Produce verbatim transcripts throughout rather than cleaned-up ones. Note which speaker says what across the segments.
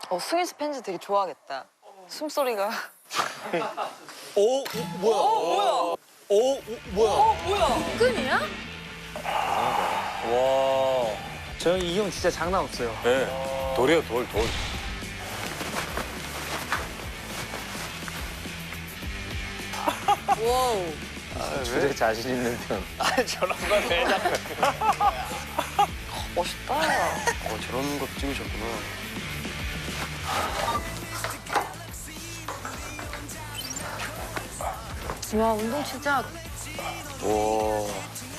Speaker 1: 어, 승희 씨 팬츠 되게 좋아하겠다. 숨소리가.
Speaker 2: 오, 오 뭐야?
Speaker 1: 어, 뭐야?
Speaker 2: 오, 오 뭐야?
Speaker 1: 어, 뭐야?
Speaker 3: 끈이야?
Speaker 2: 와.
Speaker 4: 저 형 이 형 진짜 장난 없어요.
Speaker 2: 네. 돌이요, 돌, 돌.
Speaker 1: 와우.
Speaker 4: 주제 자신 있는 편.
Speaker 2: 아, 저런 거왜 자꾸.
Speaker 1: 멋있다.
Speaker 5: 어, 저런 거 찍으셨구나.
Speaker 3: 와, 운동 진짜.
Speaker 5: 와.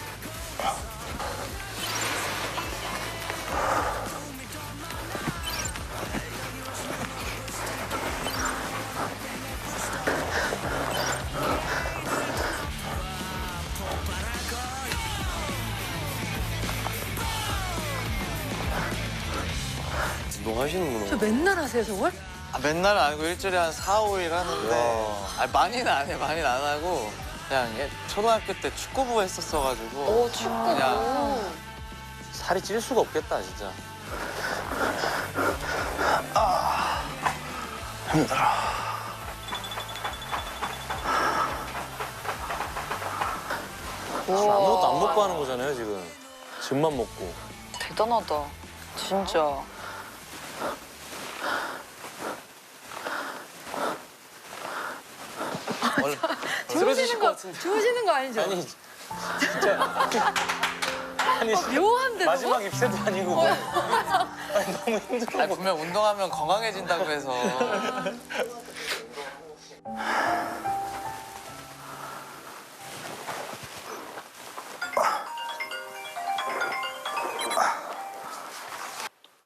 Speaker 5: 운동하시는구나.
Speaker 3: 저 맨날 하세요, 저걸?
Speaker 6: 아, 맨날은 아니고 일주일에 한 사, 오 일 하는데 아, 많이는 안 해, 많이는 안 하고 그냥 예, 초등학교 때 축구부 했었어가지고
Speaker 1: 오, 축구.
Speaker 6: 그냥
Speaker 4: 살이 찔 수가 없겠다, 진짜.
Speaker 2: 아무것도 안 먹고 하는 거잖아요, 지금. 즙만 먹고.
Speaker 1: 대단하다. 진짜.
Speaker 3: 주무시는 거, 주무시는 거 아니죠?
Speaker 2: 아니, 진짜. 아니,
Speaker 3: 묘한데, 저거?
Speaker 2: 마지막 입새도 아니고. 뭐. 아니, 너무 힘들어.
Speaker 6: 아니, 분명 운동하면 건강해진다고 해서